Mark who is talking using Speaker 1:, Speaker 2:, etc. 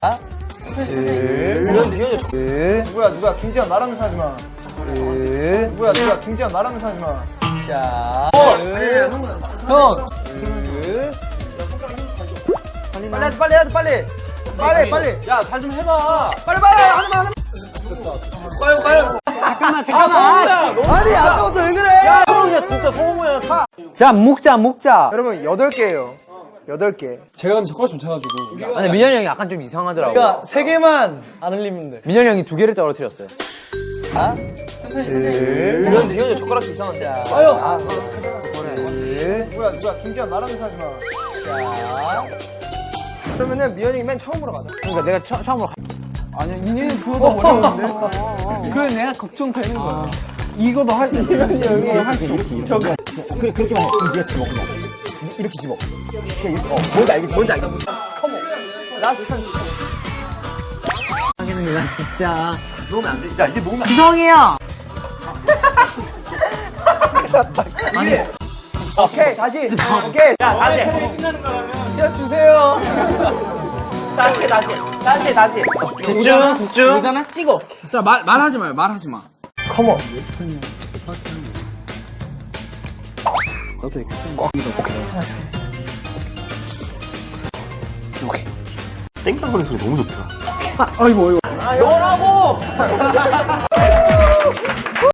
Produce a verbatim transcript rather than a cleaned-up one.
Speaker 1: 아? 누구야 누구야 김지현 나라면서 하지마. 누구야 누구야 김지현 나라면서 하지마. 자 형 빨리 해야 돼 빨리 해야 돼 빨리 빨리 빨리 야 잘 좀 해봐 빨리 빨리 하지마 하지마 까요 까요
Speaker 2: 잠깐만 잠깐만
Speaker 1: 아니 아까부터 왜 그래
Speaker 3: 야 그냥 진짜 소모야.
Speaker 2: 자 묵자 묵자.
Speaker 1: 여러분 여덟 개예요 여덟 개
Speaker 4: 제가 근데 젓가락 좀 차가지고.
Speaker 2: 근데 민현이 형이 약간 좀 이상하더라고.
Speaker 3: 그러니까 세 개만 안 흘리면 돼.
Speaker 2: 민현이 형이 두 개를 떨어뜨렸어요.
Speaker 1: 이건 이건 젓가락이 이상한데 아유 아 누구야 누구야 김지현 나라면서 하지마. 자 그러면은 미연이 맨 처음으로 가자.
Speaker 2: 그러니까 내가 처, 처음으로 가...
Speaker 1: 아니야 이니는 그거도 어려운데.
Speaker 3: 그래 내가 걱정되는 거야.
Speaker 2: 이거도 할 때 민현이 형이 할수
Speaker 5: 그래 그렇게만 해. 그럼 네가 집어 그냥 이렇게 집어. 그냥 이렇게, 어 뭔지 알겠지 뭔지 알겠지.
Speaker 1: 라스트 찬스.
Speaker 2: 하겠는데 나 진짜
Speaker 5: 놓으면 안 돼. 야 이게 놓으면 안 돼.
Speaker 2: 지성이 형.
Speaker 1: 아니 오케이 다시 오케이
Speaker 3: 야 다시. 야 주세요. 다시 다시 다시 다시.
Speaker 1: 집중 집중.
Speaker 3: 여자나 찍어.
Speaker 4: 자 말 말하지 마요. 말하지 마.
Speaker 1: 컴온.
Speaker 5: 땡깡거리는 소리 너무 좋다.
Speaker 1: 아 너라고.